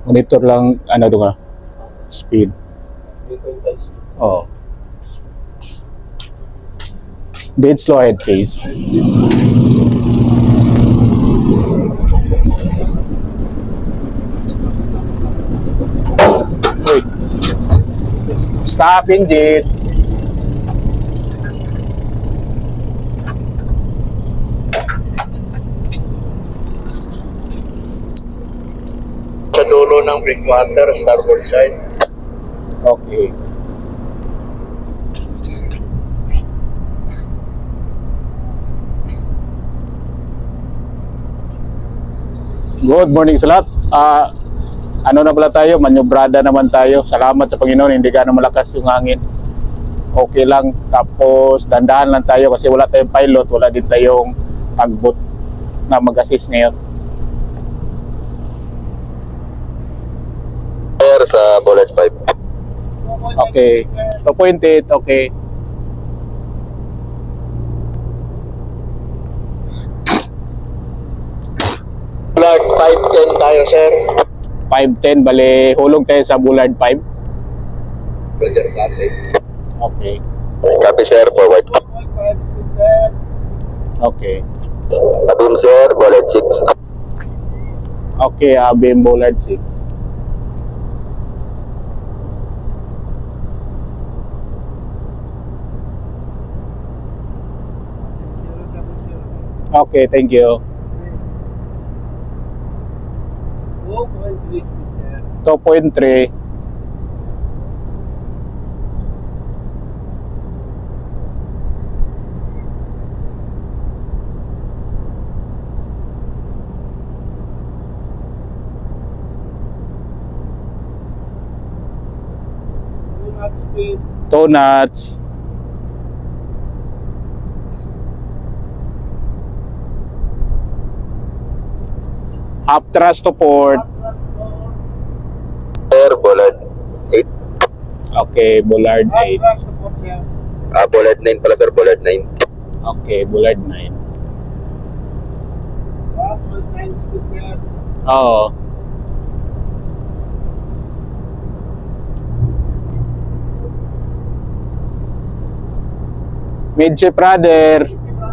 Monitor lang, ano doon nga, speed. Oh. Dead slow ahead case. Wait. Stop engine. Sa dulo ng breakwater, starboard side. Okay. Good morning sa lahat. Ano na pala tayo? Manyobrada naman tayo. Salamat sa Panginoon, hindi gaano malakas yung hangin. Okay lang. Tapos dandahan lang tayo kasi wala tayong pilot, wala din tayong tugboat na mag-assist ngayon. Air sa bullet 5. Okay. 2.8, okay. Flag 510 tayo, sir. 510, bale hulog tayo sa Bullard 5. Roger, copy. Okay. Copy, sir. Forward. Okay. Abim, sir. Bullet 6. Okay, Abim Bullard 6. Okay, thank you. 2.3. Two knots. Half thrust to port. Sir, bullet 8. Okay, Bullard 8. Bullet 9 pala, sir. Bullet 9. Okay, Bullard 9. Oo. Midship rudder.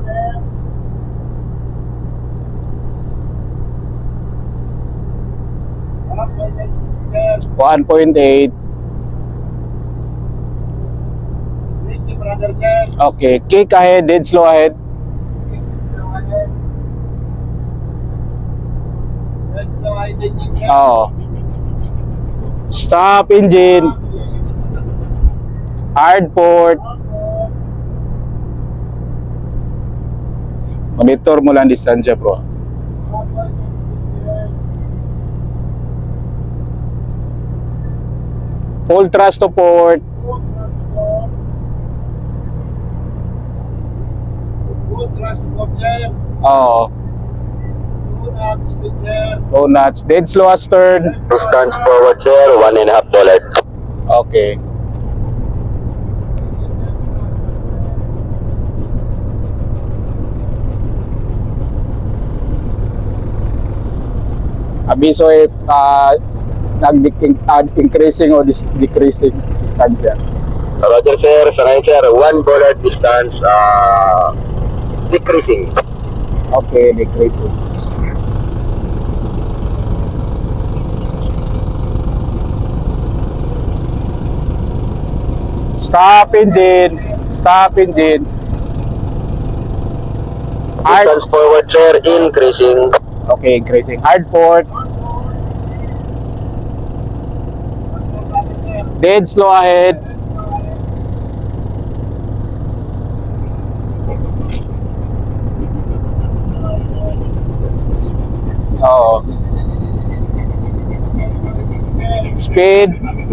One 1.8. Okay, kick ahead, dead slow ahead. Oo. Stop engine. Hard port. Monitor mo lang distansya, bro. Full thrust to port. Oo. Two knots. Dead slow astern. Distance forward, sir. 1.5 bullet. Okay. Abiso nag-increasing o decreasing distansya. Roger, sir. Sa ngayon, sir. 1 bullet distance decreasing. Okay, decreasing. Stop engine. Stop engine. Hard. Distance forward, sir. Increasing. Okay, increasing. Hard port. Dead slow ahead. Oo. Speed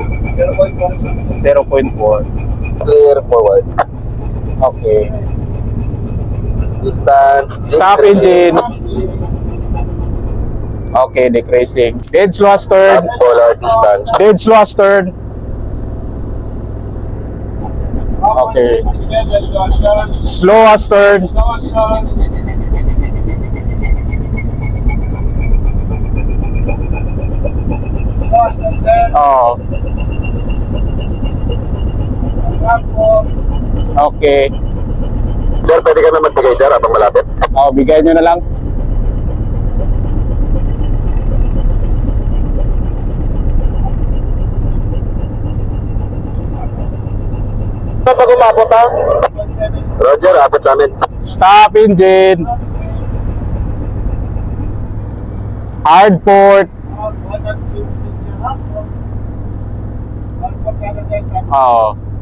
0.4. Clear forward. Okay. Distance. Stop engine. Okay, decreasing. Dead slow astern. Polar distance. Dead slow astern. Okay. Slow astern. Oo. Okay. Sir, pwede ka na magbigay, sir, habang malapit. Oo, bigay nyo na lang. Pag umabot, ha? Roger, abot sa amin. Stop engine. Hard port. Oo.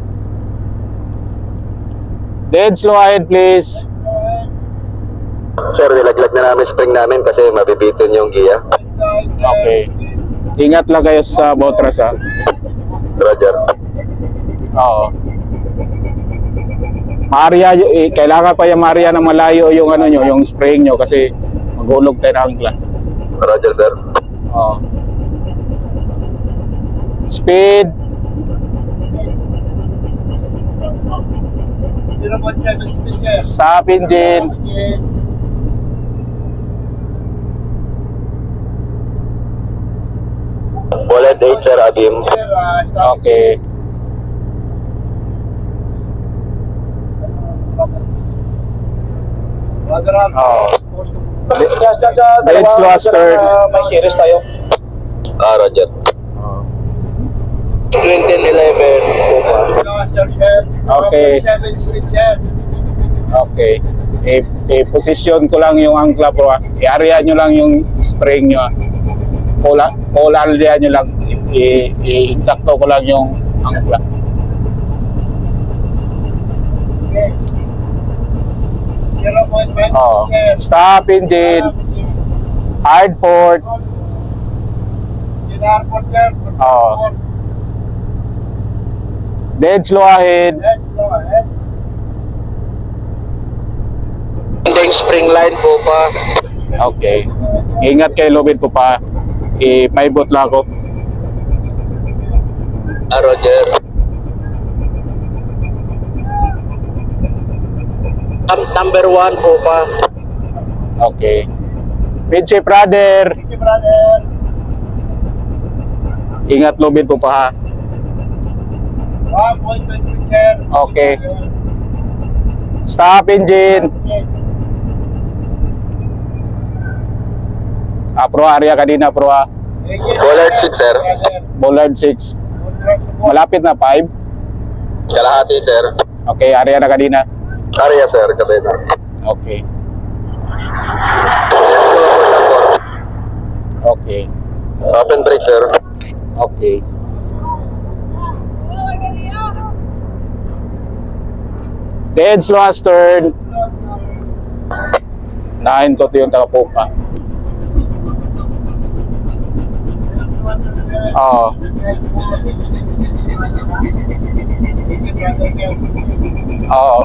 Dead slow ahead please. Sir, nilaglag na namin spring namin kasi mabibitin yung giya. Okay. Ingat lang kayo sa botras ha. Roger. Oo. Maria, kailangan pa yung Maria na malayo yung ano nyo, yung spring nyo kasi magulog tayo ng angkla. Roger, sir. Oo. Speed. 0.7 speed, sir. Stop engine. Bullet 8, sir, Agim. Sir, stop. Okay. Roger, Oo. Dead Dead slow astern. May series tayo. Roger. Oo. 2011. Slow astern, sir. Okay. 0.7 speed, sir. Okay. I-position ko lang yung angkla bro. I-area nyo lang yung spring nyo. Polarlia nyo lang. I-insakto ko lang yung angkla. Okay. 0.5 Oh. speed, sir. Stop engine. Hard port. Kailangan po, sir. Oo. Dead slow ahead. Let's go ahead. Ending spring line po pa. Okay. Ingat kayo lubid po pa. I-paibot lang ako. Roger. Number 1 po pa. Okay. Pinche brother. Thank you, brother. Ingat lubid po pa ha. 1.5 speed, sir. Okay. Stop engine. Pro area kanina pro ha. Bullard 6, sir. Bullard 6. Malapit na 5. Kalahati, sir. Okay, area na kanina. Area, sir. Kabena. Okay. Okay. Open brake, sir. Okay. Dead slow astern. Nahin ko ito yung tagapupa. Oo. Oo.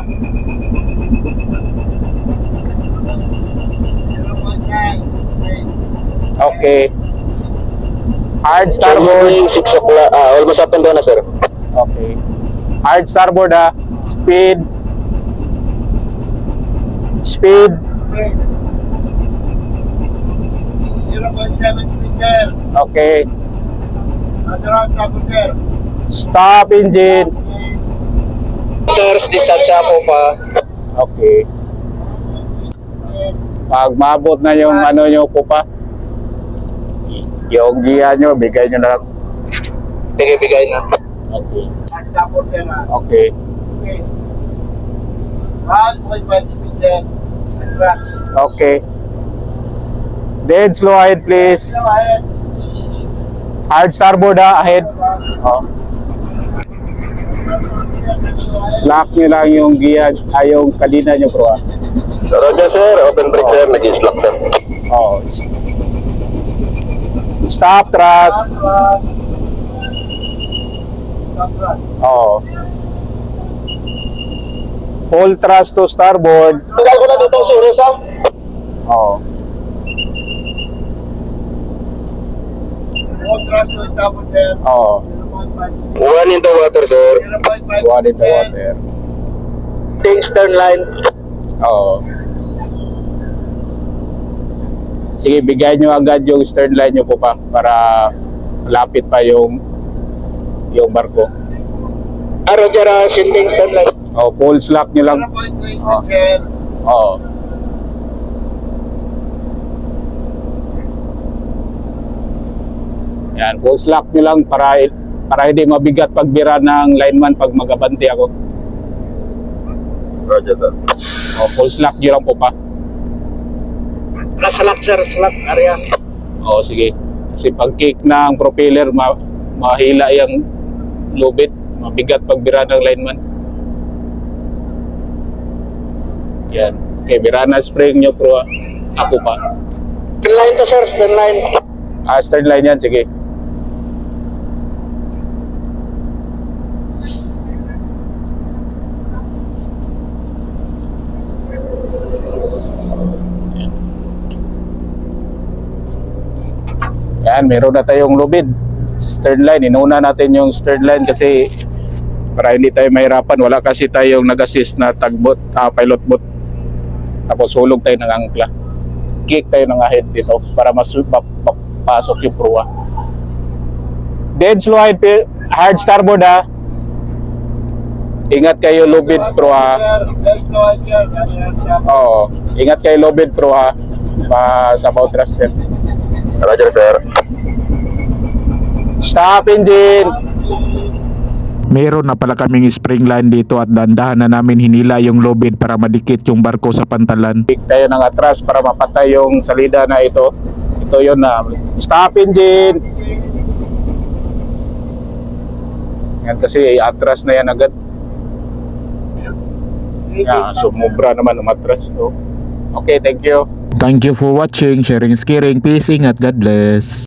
Okay. Hard starboard. 6 o'clock. Almost up and down na, sir. Okay. Hard starboard ha. Speed. Speed. 0.7 speed, sir. Okay. Roger, stop, sir. Stop engine. Motors, distansya po pa. Okay. Pag maabot na yung ano nyo po pa, yung giya nyo, bigay nyo na lang. Bigay na. Okay. Stop, sir. Okay. Okay. 1.5 speed, sir. Atras. Okay. Dead slow ahead please. Go ahead. Hard starboard ha, ahead. Oh. Slack nyo lang yung giya, yung kalina nyo bro ha. Roger, sir. Open brake, sir. Nag-slack, sir. Oh. Stop thrust. Atras. Stop, atras. Oh. Full thrust to starboard. Tagal ko na dito, sir. Sam. Oh. Full thrust to stop, sir. Oh. 0.5. 1 in the water, sir. 0.5 One in the sir. water. Ting stern line. Oo. Sige, bigay nyo agad yung stern line nyo po pa para Lapit pa yung barko. Roger, sending standline. Oh, full slack nyo lang. 0.3 speed, sir. Oo. Yan, full slack nyo lang para hindi mabigat pagbira ng lineman pag magabanti ako. Roger, sir. O, full slack nyo lang po pa. Slack, sir. Slack, area. O, sige. Kasi pag kick ng propeller, mahila yung lubid. Mabigat pagbira ng lineman. Yan. Okay, bira na spring nyo, pero ako pa. Stern line to, sir. Stern line. Stern line yan, sige. Yan, meron na tayong lubid. Stern line, inuna natin yung stern line kasi para hindi tayo mahirapan. Wala kasi tayong nag-assist na tugboat, pilot boat. Tapos hulog tayo ng angkla. Kick tayo ng ahead dito para mapasok yung proa. Dead slow ahead, hard starboard ha. Ingat kayo lubid proa. Let's go, sir. Stop. Oo, ingat kayo lubid proa sa bow thruster. Roger, sir. Stop engine! Meron na pala kaming spring line dito at dandahan na namin hinila yung lubid para madikit yung barko sa pantalan. Kick tayo ng atras para mapatay yung salida na ito. Ito yun na. Stop engine! Yan kasi atras na yan agad. Yan, sumubra naman umatras. So, okay, thank you. Thank you for watching, sharing is caring, peace, ingat, God bless.